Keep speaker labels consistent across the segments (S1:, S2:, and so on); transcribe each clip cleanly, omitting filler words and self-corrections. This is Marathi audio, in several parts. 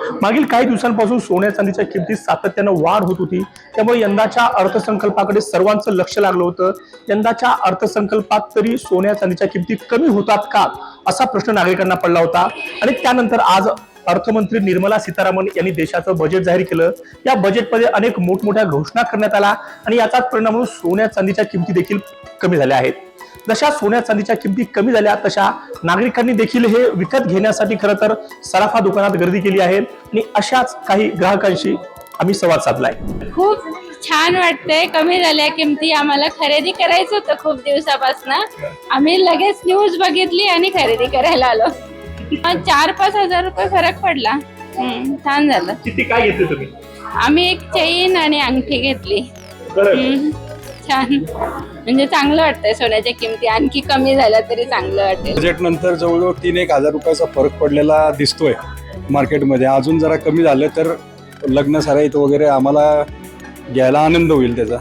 S1: मागील काही दिवसांपासून सोन्या चांदीच्या किमतीत सातत्यानं वाढ होत होती, त्यामुळे यंदाच्या अर्थसंकल्पाकडे सर्वांचं लक्ष लागलं होतं. यंदाच्या अर्थसंकल्पात तरी सोन्या चांदीच्या किमती कमी होतात का, असा प्रश्न नागरिकांना पडला होता. आणि त्यानंतर आज अर्थमंत्री निर्मला सीतारामन यांनी देशाचं बजेट जाहीर केलं. या बजेटमध्ये अनेक मोठमोठ्या घोषणा करण्यात आल्या आणि याचाच परिणाम म्हणून सोन्या चांदीच्या किमती देखील कमी झाल्या आहेत. जशा सोन्या चांदीच्या किमती कमी झाल्या तशा नागरिकांनी देखील हे विकत घेण्यासाठी खरं तर सराफा दुकानात गर्दी केली आहे आणि अशाच काही ग्राहकांशी आम्ही संवाद साधलाय.
S2: खूप छान वाटतंय, कमी झाल्या किमती. आम्हाला खरेदी करायचं होतं खूप दिवसापासून. आम्ही लगेच न्यूज बघितली आणि खरेदी करायला आलो. 4-5 हजार रुपये फरक पडला. छान झालं.
S1: किती काय घेतले तुम्ही?
S2: आम्ही एक चेन आणि अंगठी घेतली. छान, म्हणजे चांगलं वाटतंय. सोन्याच्या किमती आणखी कमी झाल्या तरी चांगलं वाटेल.
S3: बजेट नंतर जवळजवळ 3-1 हजार रुपयाचा फरक पडलेला दिसतोय मार्केटमध्ये. अजून जरा कमी झालं तर लग्न सराईत वगैरे आम्हाला घ्यायला आनंद होईल त्याचा.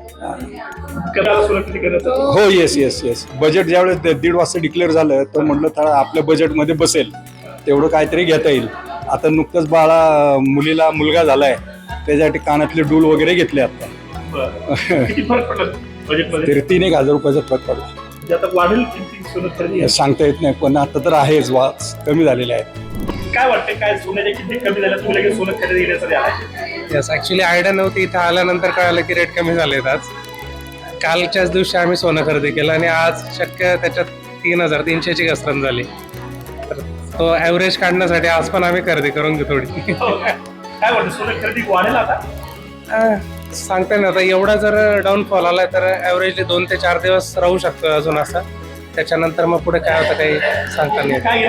S3: हो, येस. बजेट ज्यावेळेस 1.5 वाजता डिक्लेअर झालं तर म्हटलं तर आपल्या बजेटमध्ये बसेल तेवढं काहीतरी घेता येईल. आता नुकतंच मुलीला मुलगा झालाय, त्याच्यासाठी कानातले डूल वगैरे घेतले. आता
S1: किती फरक पडला बजेटमध्ये?
S3: तरी 3-1 हजार रुपयाचा फरक पडला.
S1: आता वाढेल किमती सोनं खरेदी
S3: सांगता येत नाही, पण आता तर आहेच, कमी झालेले आहे.
S1: काय वाटतं, काय सोन्याच्या किमती कमी झाल्या तुम्ही लगेच सोनं खरेदी घेण्यासाठी आला?
S4: यस, ऍक्च्युली आयडिया नव्हती. इथं आल्यानंतर कळालं की रेट कमी झालेत. आज कालच्याच दिवशी आम्ही सोनं खरेदी केलं आणि आज शक्य त्याच्यात 3,300 ची घसरण झाली. तर तो ॲव्हरेज काढण्यासाठी आज पण आम्ही खरेदी करून घेऊ थोडी.
S1: काय वाटतं, सोनं खरेदी वाढेल आता?
S4: सांगता नाही आता. एवढा जर डाऊनफॉल आलाय तर ॲव्हरेजली 2 ते 4 दिवस राहू शकतो अजून असा. त्याच्यानंतर मग पुढे काय होतं काही सांगता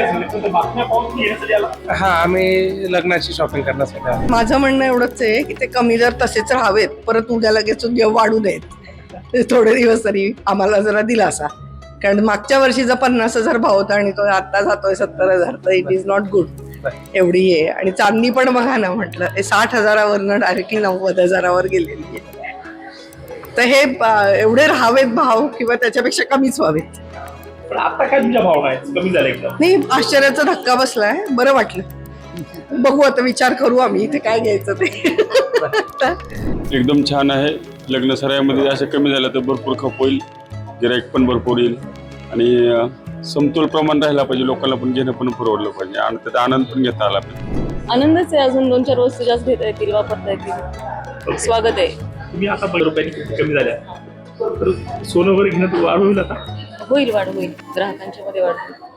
S4: नाही. हा, आम्ही लग्नाची शॉपिंग करण्यासाठी आलो.
S5: माझं म्हणणं एवढंच आहे की ते कमी जर तसेच राहावेत, परत उद्या लगेच वाढू नयेत. थोडे दिवस तरी आम्हाला जरा दिलासा. कारण मागच्या वर्षीचा 50,000 भाव होता आणि तो आता जातोय 70,000. तर इट इज नॉट गुड. एवढी आहे. आणि चांदी पण बघा ना, म्हटलं 60,000वरनं डायरेक्टली 90,000वर गेलेली आहे. तर हे एवढे राहावेत भाव किंवा त्याच्यापेक्षा कमीच व्हावेत.
S1: पण आता काय तुमच्या भावना आहेत, कमी झाले एकदम?
S5: नाही, आश्चर्याचा धक्का बसलाय. बरं वाटलं. बघू आता, विचार करू आम्ही इथे काय घ्यायचं ते.
S6: एकदम छान आहे. लग्न सराईमध्ये असे कमी झालं तर भरपूर खप होईल, गिराईक पण भरपूर येईल आणि समतोल प्रमाण राहिला पाहिजे. लोकांना पण घेणं पण परवडलं पाहिजे आणि त्याचा आनंद पण घेता आला पाहिजे.
S7: आनंदच आहे. अजून 2-4 वस्तू जास्त घेता येतील, वापरता येतील. स्वागत आहे.
S1: तुम्ही आता 12 रुपयांनी किमती कमी झाल्या तर सोनं वगैरे घेणं वाढ होईल आता?
S7: होईल, वाढ होईल. ग्राहकांच्या मध्ये वाढ होईल.